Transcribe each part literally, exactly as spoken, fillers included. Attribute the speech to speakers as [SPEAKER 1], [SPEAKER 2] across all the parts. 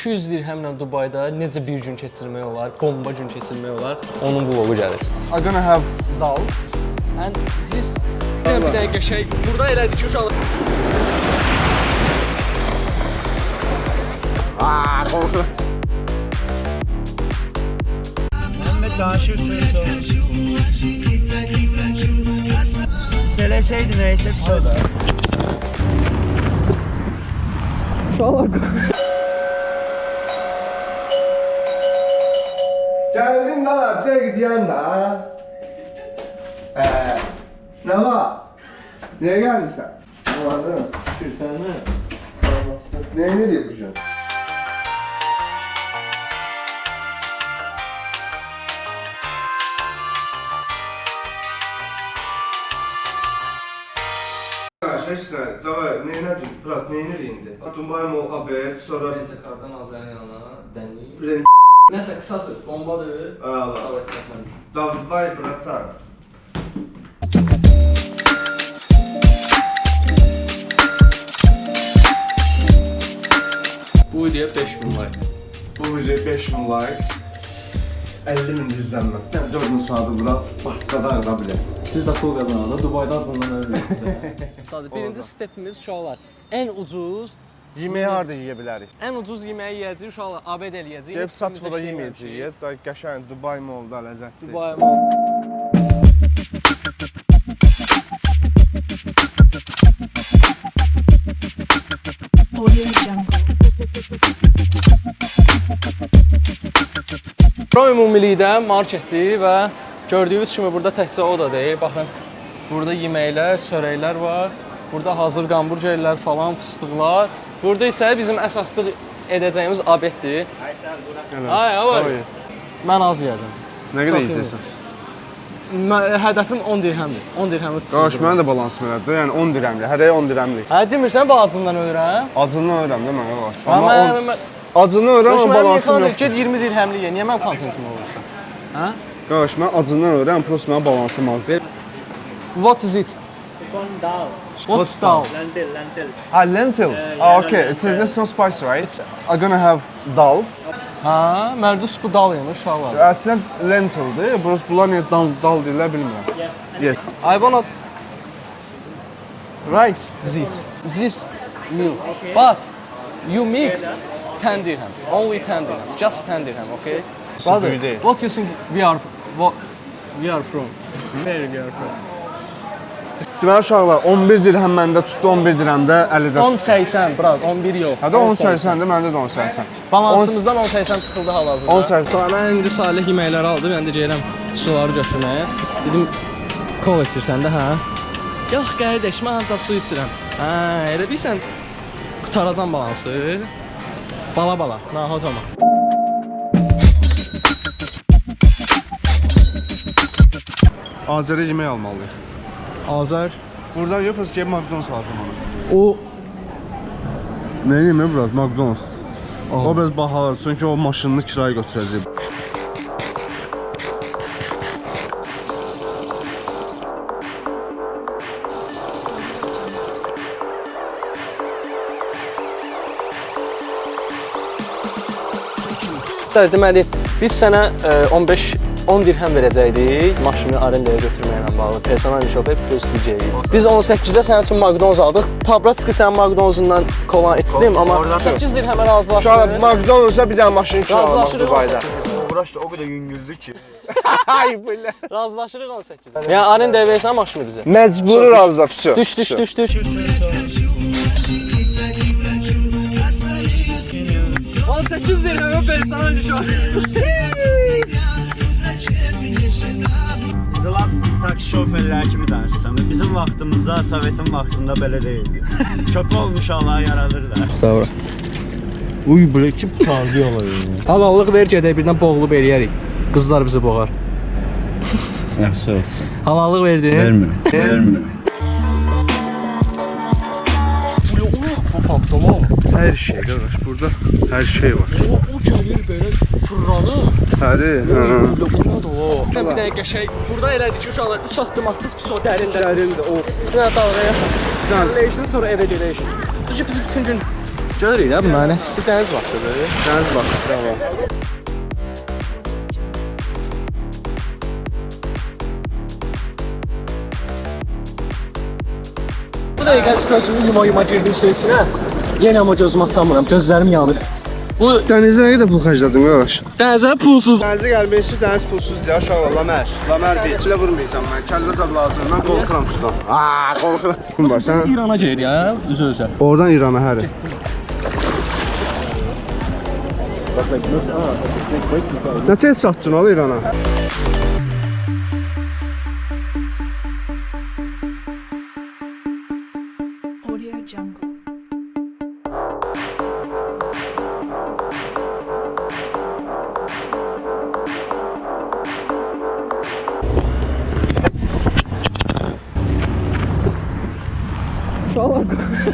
[SPEAKER 1] iki yüz dirhemlə Dubayda necə bir gün keçirmək olar, bomba gün keçirmək olar, onun vlogu gəlir.
[SPEAKER 2] I'm gonna have dal.
[SPEAKER 1] And this bir dəqiqə şey, burada elədik ki, uşaqlar.
[SPEAKER 2] Aaa, qorxu.
[SPEAKER 3] Mehmet danışır söz olur. Söyleseydin neyse bir şey olur.
[SPEAKER 1] Uşaqlar.
[SPEAKER 2] Geldim daha, bir de gidiyorum da. Eee, ne var? Niye geldin sen? Ne var değil mi?
[SPEAKER 1] Şükür sen mi?
[SPEAKER 2] Sağ olasın. Ne, ne diye yapacaksın? Arkadaşlar, давай, neyine dün? Bırak, neyine indi? Dubai Mall haber, sonra...
[SPEAKER 1] Rentekardan Azərin yanına dənliyik.
[SPEAKER 2] Rent...
[SPEAKER 1] Nəsə qısası, bombadır.
[SPEAKER 2] Allah.
[SPEAKER 1] Davet etməm.
[SPEAKER 2] Давай, bratан.
[SPEAKER 1] Bu videoya beş min like.
[SPEAKER 2] Bu video beş bin like. elli min izlenme. Ben dördün saati bura, başladı da bilet.
[SPEAKER 1] Biz də pul qazananda Dubayda acından ölməyəcək. Birinci stepimiz uşaqlar. Ən ucuz
[SPEAKER 2] Yemeği harda yiyə bilərik?
[SPEAKER 1] ən ucuz yeməyi yeyəcəyik uşaqlar. A B D eləyəcəyik.
[SPEAKER 2] Gəlib Satıda yeməyəcəyik. Qəşəng Dubai Mallda ləzzətli.
[SPEAKER 1] Dubai Mall.
[SPEAKER 4] Audio Jungle.
[SPEAKER 1] Bura ümumilikdə marketdir və gördüyünüz kimi burada təkcə o da deyil. Baxın, burada yeməklər, çörəklər var. Burada hazır hamburgerlər falan, fıstıqlar. Burada isə bizim əsaslıq edəcəyimiz obeddir. Ay, var. Mən az yeyəcəm.
[SPEAKER 2] Nə qədər yeyəcəksən?
[SPEAKER 1] Hədəfim on dirhəmdir. on dirhəmi tutur.
[SPEAKER 2] Qardaş, mənim də balansım elədir. Yəni on dirəmli, hərəyə on dirəmlik.
[SPEAKER 1] Hə, demirsən balacından ölürəm?
[SPEAKER 2] Acından ölürəm də mən qardaş.
[SPEAKER 1] Amma
[SPEAKER 2] Amma
[SPEAKER 1] mən
[SPEAKER 2] acından ölürəm, amma balansım yoxdur.
[SPEAKER 1] Get iyirmi dirhəmli ye. Niyə mənim kontentim olursan? Hə?
[SPEAKER 2] Qardaş, mən acından ölürəm, prosta mənim balansım azdır.
[SPEAKER 1] What is it?
[SPEAKER 3] This one dal.
[SPEAKER 1] What's dal?
[SPEAKER 3] Lentil, lentil.
[SPEAKER 2] Ah, lentil. Ah, okay. It's it's not spicy, right? I'm gonna have dal.
[SPEAKER 1] Hə, mərdus bu dal yemiş uşaqlar.
[SPEAKER 2] Əslən lentildir. Burası bunlar niyə dal dal deyirlər bilmirəm.
[SPEAKER 3] Yes.
[SPEAKER 2] Yes.
[SPEAKER 1] I wanna rice this. This meal. But you mix ten dirham. Only ten dirham. Just ten dirham, okay? Brother,
[SPEAKER 2] büyük değil.
[SPEAKER 1] what you think we are what we are from? Where we are from?
[SPEAKER 2] Deməli uşaqlar on bir dirhəm məndə tutdu, on bir dirhəm də Əlidə
[SPEAKER 1] on
[SPEAKER 2] tutdu.
[SPEAKER 1] səksən, brat, on bir yox.
[SPEAKER 2] Hədə on səksən də məndə də on səksən.
[SPEAKER 1] Balansımızdan on səksən çıxıldı hal-hazırda.
[SPEAKER 2] on səksən.
[SPEAKER 1] Sonra mən indi Salih yeməkləri aldı, mən də gəlirəm suları götürməyə. Dedim, kol içirsən də, hə? Yox, qardaş, mən ancaq su içirəm. Hə, elə bilsən, qutaracam balansı. Bala-bala, nahot olma.
[SPEAKER 2] Azərə yemək almalıyıq.
[SPEAKER 1] Azər.
[SPEAKER 2] Buradan yoxsa ki McDonald's alacağam onu.
[SPEAKER 1] O
[SPEAKER 2] Nə yemək bura? McDonald's. O biraz bahalar, çünki o maşınını kirayə götürəcək.
[SPEAKER 1] deməli, biz sənə on beş on dirhəm verəcəkdik maşını arendaya götürməklə bağlı. Personal şofer plus D J. Biz on səkkizə sənin üçün McDonald's aldıq. Pabratski sənin McDonald's-undan kola içdim, amma səkkiz dirhəmə razılaşdıq.
[SPEAKER 2] Uşaqlar, McDonald's-a bir dənə maşın kiralamaq Dubayda.
[SPEAKER 3] Uğraşdı o kadar yüngüldü ki.
[SPEAKER 2] Ay belə.
[SPEAKER 1] Razılaşırıq on səkkizə. Yəni arendaya versən maşını bizə.
[SPEAKER 2] Məcburi razılaşdıq. Vsyo.
[SPEAKER 1] Düş, düş, düş, düş. on səkkiz dirhəmə personal şofer.
[SPEAKER 3] Lan taksi şoförləri kimi danışsam. Bizim vaxtımızda, Sovetin vaxtında belə deyildi. Köpü olmuş Allah yaradırlar.
[SPEAKER 1] Doğru.
[SPEAKER 3] Uy, belə kim tarzı olayım.
[SPEAKER 1] Halallıq ver gedək birdən boğulub eləyərik. Qızlar bizi boğar.
[SPEAKER 3] Yaxşı olsun.
[SPEAKER 1] Halallıq verdin?
[SPEAKER 3] Vermirəm. Vermirəm.
[SPEAKER 1] Patlama.
[SPEAKER 2] Hər şey qardaş, burada hər şey var.
[SPEAKER 1] O, o gəlir belə fırlanır.
[SPEAKER 2] Həri, hə.
[SPEAKER 1] Bunlar da o. Bir dəqiqə şey, burada elədik ki, uşaqlar üç addım atdınız ki, o dərində.
[SPEAKER 2] Dərində o.
[SPEAKER 1] Bir dənə dalğaya. Dərləyişdən sonra evə gedəyik. Çünki biz bütün gün Görürük də bunların əski dəniz vaxtıdır.
[SPEAKER 2] Dəniz vaxtı, bravo.
[SPEAKER 1] Bu dəqiqə gözümü yuma-yuma girdim su içinə. Yenə amma gözümü açamıram, gözlərim yanır. Bu
[SPEAKER 2] Dənizə nə qədər pul xərclədin qardaş?
[SPEAKER 1] dənizə pulsuz.
[SPEAKER 2] Dənizə gəlmək üçün dəniz pulsuzdur ya uşaqlar. Lamər, Lamər bir içilə vurmayacam mən. Kəllə zad lazım. Mən qorxuram sudan. Aa, qorxuram. Kim var sən?
[SPEAKER 1] İrana gedir ya, üzə-üzə.
[SPEAKER 2] Oradan İrana həri. Nə tez çatdın al İrana?
[SPEAKER 4] Audio Jungle.
[SPEAKER 1] Uşaqlar.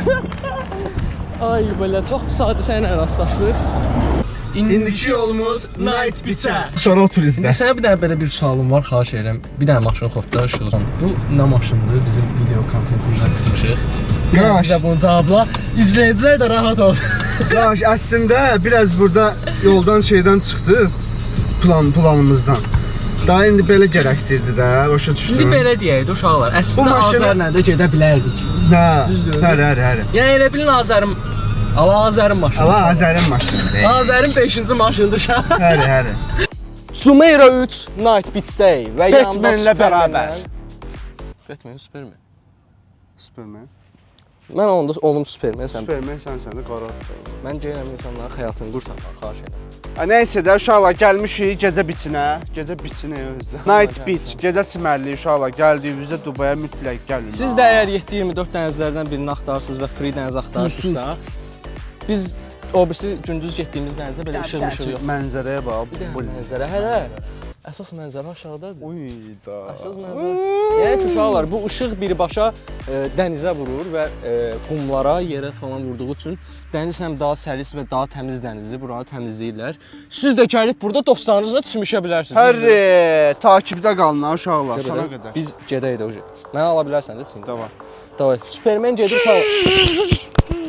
[SPEAKER 1] Ay belə çox pis hadisə ilə rastlaşdıq.
[SPEAKER 2] İndiki yolumuz Night Beach-ə. Sonra o turizmdə.
[SPEAKER 1] İndi sənə bir dənə belə bir sualım var, xahiş edirəm. Bir dənə maşın xodda işıq. Bu nə maşındır? Bizim video kontentimizdən çıxmışıq.
[SPEAKER 2] Qaş.
[SPEAKER 1] Bizə bunu cavabla. İzləyicilər də rahat olsun.
[SPEAKER 2] Qaş, əslində biraz burada yoldan şeydən çıxdıq. Plan, planımızdan. Daha indi belə gərəkdirdi də, başa düşdün.
[SPEAKER 1] İndi belə deyək də uşaqlar. Əslində
[SPEAKER 2] maşını-
[SPEAKER 1] Azərlə də gedə bilərdik.
[SPEAKER 2] Hə,
[SPEAKER 1] Düzdür.
[SPEAKER 2] həri, həri, həri.
[SPEAKER 1] Yəni elə bilin Azərim Ala Azərin maşını.
[SPEAKER 2] Allah Azərin maşınıdır.
[SPEAKER 1] Azərin beşinci maşınıdır uşaq.
[SPEAKER 2] Həri, həri.
[SPEAKER 1] Sumera üç Night Beach-dəy və yanında
[SPEAKER 2] Batman'lə
[SPEAKER 1] Superman.
[SPEAKER 2] bərabər.
[SPEAKER 1] Batman, Superman.
[SPEAKER 2] Superman.
[SPEAKER 1] Mən onda oğlum Superman, sən.
[SPEAKER 2] Superman sən sən də qara.
[SPEAKER 1] Mən gəlirəm insanların həyatını qurtarmaq, xahiş edirəm.
[SPEAKER 2] Ha, nəysə də uşaqlar gəlmişik gecə biçinə. Gecə biçinə özdə. Night Beach, gecə çimərlik uşaqlar. Gəldiyinizdə Dubaya mütləq gəlin.
[SPEAKER 1] Siz də əgər yeddi iyirmi dörd dənizlərdən birini axtarırsınız və free dəniz axtarırsınızsa, biz o birisi gündüz getdiyimiz dənizdə belə işıq-mışıq yox.
[SPEAKER 2] Mənzərəyə bax.
[SPEAKER 1] Bir dənə mənzərə, hələ əsas mənzərə aşağıdadır.
[SPEAKER 2] Uy da.
[SPEAKER 1] Əsas mənzərə. Yəni ki, uşaqlar, bu işıq birbaşa e, dənizə vurur və e, qumlara, yerə falan vurduğu üçün dəniz həm daha səlis və daha təmiz dənizdir. Buranı təmizləyirlər. Siz də gəlib burada dostlarınızla çimişə bilərsiniz.
[SPEAKER 2] Hər takibdə qalın ha uşaqlar,
[SPEAKER 1] Biz də-
[SPEAKER 2] sona qədər.
[SPEAKER 1] Biz gedək də o. Mənə ala bilərsən də sən.
[SPEAKER 2] Tamam.
[SPEAKER 1] Davay. Superman gedir uşaqlar.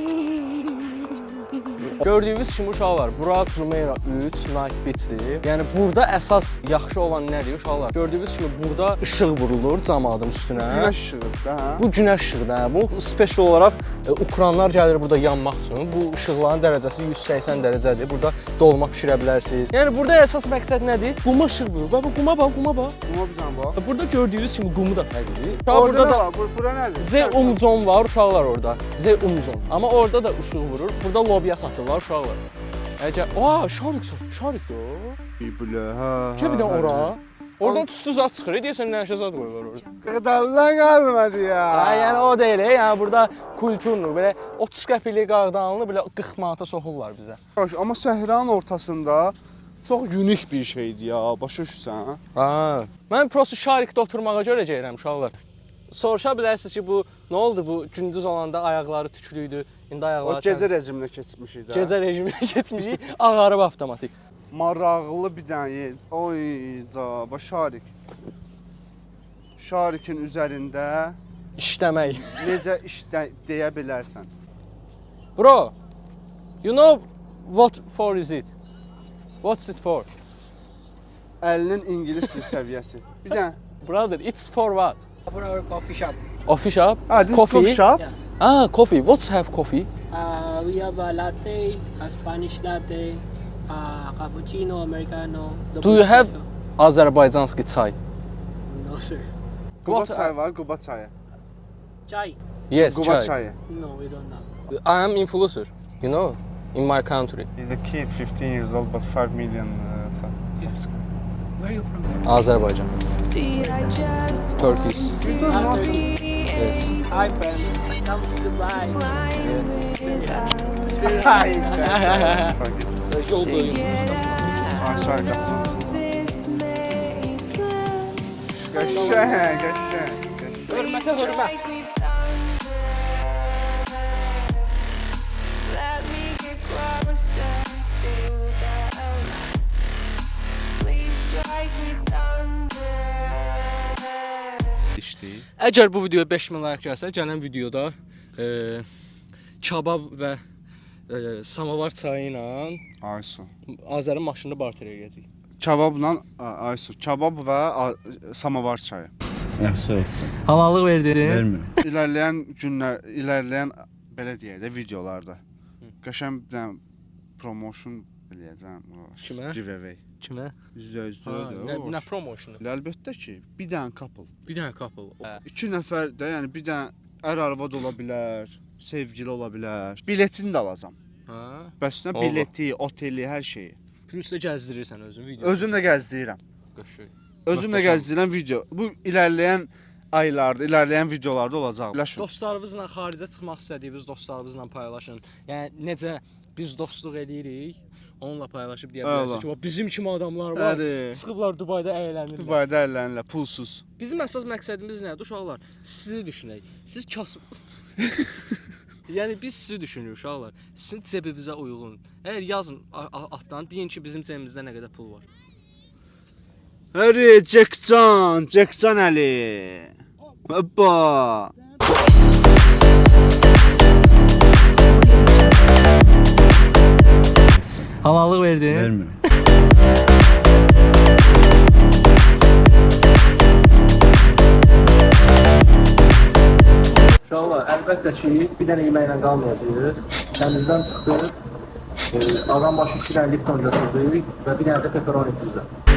[SPEAKER 1] Gördüyünüz kimi uşaqlar, bura Jumeirah üç Night Beach-dir. Yəni burada əsas yaxşı olan nədir uşaqlar? Gördüyünüz kimi burada işıq vurulur camadın üstünə.
[SPEAKER 2] Günəş işığıdır da, hə?
[SPEAKER 1] Bu günəş işığı da. Bu special olaraq e, Ukranlar gəlir burada yanmaq üçün. Bu işıqların dərəcəsi yüz səksən dərəcədir. Burada dolma bişirə bilərsiniz. Yəni burada əsas məqsəd nədir? Quma işıq vurur. Bax bu quma bax, quma bax.
[SPEAKER 2] Buna bir dənə bax.
[SPEAKER 1] Burada gördüyünüz kimi qumu da fərqlidir.
[SPEAKER 2] Orada
[SPEAKER 1] Burada
[SPEAKER 2] da
[SPEAKER 1] da
[SPEAKER 2] var, bur- bura nədir?
[SPEAKER 1] Zeumzon var uşaqlar orada. Zeumzon. Amma orada da işıq vurur. Burada lobiya satırlar uşaqlar. Əgər, aa, şarik satır, şarik yo.
[SPEAKER 2] Bilə, hə.
[SPEAKER 1] Gəl bir də ora. Oradan tüstü zat çıxır. Deyəsən nəşə zat qoyurlar orada.
[SPEAKER 2] Qıdallan qalmadı ya.
[SPEAKER 1] Ha, yəni o deyil, yəni burada kulturlu, belə otuz qəpiklik qardanlı belə qırx manata soxurlar bizə.
[SPEAKER 2] Baş, amma səhranın ortasında çox unik bir şeydir ya, başa düşürsən?
[SPEAKER 1] Ha, mən prosta şarikdə oturmağa görə gəlirəm uşaqlar. Soruşa bilərsiniz ki, bu nə oldu bu gündüz olanda ayaqları tüklüydü, indi
[SPEAKER 2] O
[SPEAKER 1] ayaqları
[SPEAKER 2] gecə rejiminə keçmişik də.
[SPEAKER 1] gecə rejiminə keçmişik, ağarıb avtomatik.
[SPEAKER 2] Maraqlı bir dənə yer. Oy da, bax şarik. Şarikin üzərində
[SPEAKER 1] İşləmək.
[SPEAKER 2] necə işlə deyə bilərsən.
[SPEAKER 1] Bro, you know what for is it? What's it for?
[SPEAKER 2] Əlinin ingilis dil səviyyəsi. Bir dənə.
[SPEAKER 1] Brother, it's for what?
[SPEAKER 5] For our coffee shop.
[SPEAKER 1] Coffee shop?
[SPEAKER 2] Ah, this is coffee shop.
[SPEAKER 5] Yeah.
[SPEAKER 1] Ah, coffee. What's have coffee?
[SPEAKER 5] Uh, we have a latte, a Spanish latte, a cappuccino, americano.
[SPEAKER 1] Do
[SPEAKER 5] double
[SPEAKER 1] you have
[SPEAKER 5] espresso.
[SPEAKER 1] Azerbaycanski çay?
[SPEAKER 5] No, sir.
[SPEAKER 2] Quba
[SPEAKER 1] What-
[SPEAKER 2] çayı var, Quba çayı.
[SPEAKER 5] Chai?
[SPEAKER 1] Yes,
[SPEAKER 2] Quba
[SPEAKER 1] çay.
[SPEAKER 2] çayı.
[SPEAKER 5] No, we don't have.
[SPEAKER 1] I am influencer, you know, in my country.
[SPEAKER 2] He's a kid, fifteen years old, but five million uh, subscribers.
[SPEAKER 5] Where are you from?
[SPEAKER 1] Azerbaycan.
[SPEAKER 4] See, I just
[SPEAKER 1] Turkish.
[SPEAKER 5] Ah, Turkey.
[SPEAKER 1] Yes.
[SPEAKER 5] Hi, friends. Come to Dubai.
[SPEAKER 1] Yol boyu.
[SPEAKER 2] Aşağı qapımız. Qəşəng, qəşəng.
[SPEAKER 1] Hörmətə hörmət.
[SPEAKER 6] Let me get closer to the light. Please strike me thunder.
[SPEAKER 1] Əgər bu videoya beş min like gəlsə, gələn videoda e, kabab və e, samavar çayı ilə
[SPEAKER 7] Aysu.
[SPEAKER 1] Azərin maşınını barter edəcəyik.
[SPEAKER 7] Kebabla Aysu. Kebab və a, samavar çayı.
[SPEAKER 3] Yaxşı olsun.
[SPEAKER 1] Halallıq verdin?
[SPEAKER 3] Vermirəm.
[SPEAKER 7] İlərləyən günlər, ilərləyən belə deyək də videolarda qəşəng bir dənə promotion eləyəcəm.
[SPEAKER 1] Kimə?
[SPEAKER 7] Giveaway.
[SPEAKER 1] Kimə?
[SPEAKER 7] yüzdə yüz
[SPEAKER 1] Ha, nə,
[SPEAKER 7] deyil.
[SPEAKER 1] nə promosionu?
[SPEAKER 7] Əlbəttə ki, bir dənə couple.
[SPEAKER 1] Bir dənə couple. Hə.
[SPEAKER 7] İki nəfər də, yəni bir dənə ər arvad ola bilər, sevgili ola bilər. Biletini də alacam.
[SPEAKER 1] Hə.
[SPEAKER 7] Bəs nə
[SPEAKER 1] Ola.
[SPEAKER 7] bileti, oteli, hər şeyi.
[SPEAKER 1] Plus da gəzdirirsən özün video.
[SPEAKER 7] Özüm də gəzdirirəm.
[SPEAKER 1] Qəşəng.
[SPEAKER 7] Özüm də
[SPEAKER 1] Möhtəşəm.
[SPEAKER 7] gəzdirirəm video. Bu irəliləyən aylarda, irəliləyən videolarda olacaq. Ləşun.
[SPEAKER 1] Dostlarınızla xaricə çıxmaq istədiyiniz dostlarınızla paylaşın. Yəni necə biz dostluq eləyirik, onunla paylaşıb deyə
[SPEAKER 7] Əla.
[SPEAKER 1] bilərsiniz ki, bax, bizim kimi adamlar var.
[SPEAKER 7] Bəli.
[SPEAKER 1] Çıxıblar Dubayda əylənirlər.
[SPEAKER 7] Dubayda əllərlə pulsuz.
[SPEAKER 1] Bizim əsas məqsədimiz nədir uşaqlar? Sizi düşünək. Siz kasıb Yəni biz sizi düşünürük uşaqlar. Sizin cebinizə uyğun. Əgər yazın altdan deyin ki, bizim cebimizdə nə qədər pul var.
[SPEAKER 7] Həri, Cekcan, Cekcan Əli. Hoppa.
[SPEAKER 1] Halallıq verdin?
[SPEAKER 3] Vermirəm.
[SPEAKER 1] Uşaqlar, əlbəttə ki, bir dənə yeməklə qalmayacağıq. Təmizdən çıxdıq. E, adam başı iki dənə Lipton götürdük və bir dənə də pepperoni pizza.